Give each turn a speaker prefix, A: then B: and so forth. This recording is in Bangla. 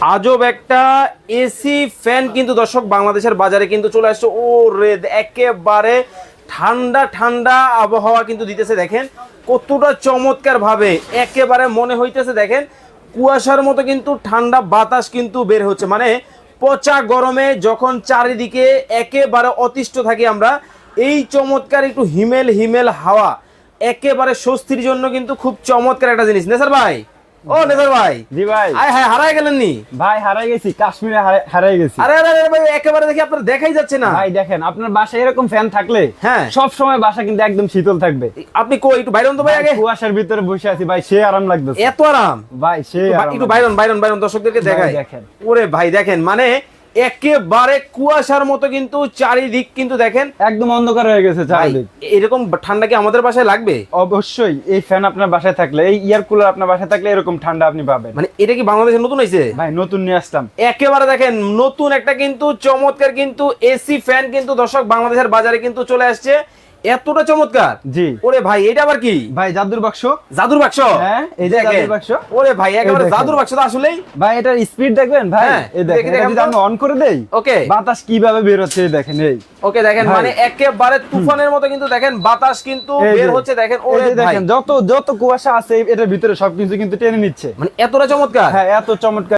A: আজব একটা এসি ফ্যান কিন্তু দর্শক বাংলাদেশের বাজারে কিন্তু চলে আসছে। ও রে, একেবারে ঠান্ডা ঠান্ডা আবহাওয়া কিন্তু দিতেছে। দেখেন কতটা চমৎকার ভাবে একেবারে মনে হইতেছে, দেখেন কুয়াশার মতো কিন্তু ঠান্ডা বাতাস কিন্তু বের হচ্ছে। মানে পচা গরমে যখন চারিদিকে একেবারে অতিষ্ঠ থাকি আমরা, এই চমৎকার একটু হিমেল হিমেল হাওয়া একেবারে স্বস্তির জন্য কিন্তু খুব চমৎকার একটা জিনিস। নেসার ভাই, ও নেসার ভাই,
B: জি ভাই।
A: আয় হায়, হারাই গেলেন নি
B: ভাই হারাই গেছি, কাশ্মীরে হারাই গেছি।
A: আরে আরে আরে ভাই, একেবারে দেখি আপনার দেখাই যাচ্ছে না।
B: ভাই দেখেন, আপনার বাসায় এরকম ফ্যান থাকলে
A: হ্যাঁ,
B: সব সময় বাসা কিন্তু একদম শীতল থাকবে।
A: আপনি কই একটু বাইরন তো ভাই আগে।
B: কুয়াশার ভিতরে বসে আছি ভাই, সে আরাম লাগতেছে।
A: এত আরাম
B: ভাই সে
A: একটু বাইরন বাইরন বাইরন দর্শকদেরকে দেখাই।
B: দেখেন
A: ওরে ভাই দেখেন, মানে একেবারে কুয়াশার মতো কিন্তু চারিদিক কিন্তু দেখেন
B: একদম অন্ধকার হয়ে গেছে
A: ভাই,
B: চারিদিক।
A: এরকম ঠান্ডা কি আমাদের বাসায় লাগবে?
B: অবশ্যই এই ফ্যান আপনার বাসায় থাকলে, এই এয়ার কুলার আপনার বাসায় থাকলে এরকম ঠান্ডা আপনি পাবেন।
A: মানে এটা কি বাংলাদেশে নতুন হয়েছে?
B: ভাই নতুন নিয়ে আসলাম।
A: একেবারে দেখেন নতুন একটা কিন্তু চমৎকার কিন্তু এসি ফ্যান কিন্তু দর্শক বাংলাদেশের বাজারে কিন্তু চলে আসছে। এতটা চমৎকার।
B: জি।
A: ওরে ভাই, এটা আবার কি?
B: ভাই জাদুর বাক্স।
A: জাদুর বাক্স?
B: হ্যাঁ, এই যে
A: দেখেন।
B: জাদুর বাক্স।
A: ওরে ভাই, একেবারে
B: দেখেন।
A: জাদুর বাক্স তো আসলেই।
B: ভাই এটার স্পিড দেখবেন ভাই,
A: হ্যাঁ,
B: এই দেখেন,
A: দেখি
B: এটা যদি আমি অন করে দেই,
A: ওকে
B: বাতাস কিভাবে বের হচ্ছে এই দেখেন। এই
A: ওকে দেখেন,
B: ভাই।
A: মানে একেবারে তুফানের মতো কিন্তু দেখেন বাতাস কিন্তু
B: এই
A: বের
B: যে,
A: হচ্ছে। দেখেন
B: এই
A: ওরে
B: যে
A: ভাই,
B: দেখেন যত যত কুয়াশা আছে এটার ভিতরে সবকিছু কিন্তু টেনে নিচ্ছে।
A: মানে এতটা চমৎকার।
B: হ্যাঁ, এত চমৎকার।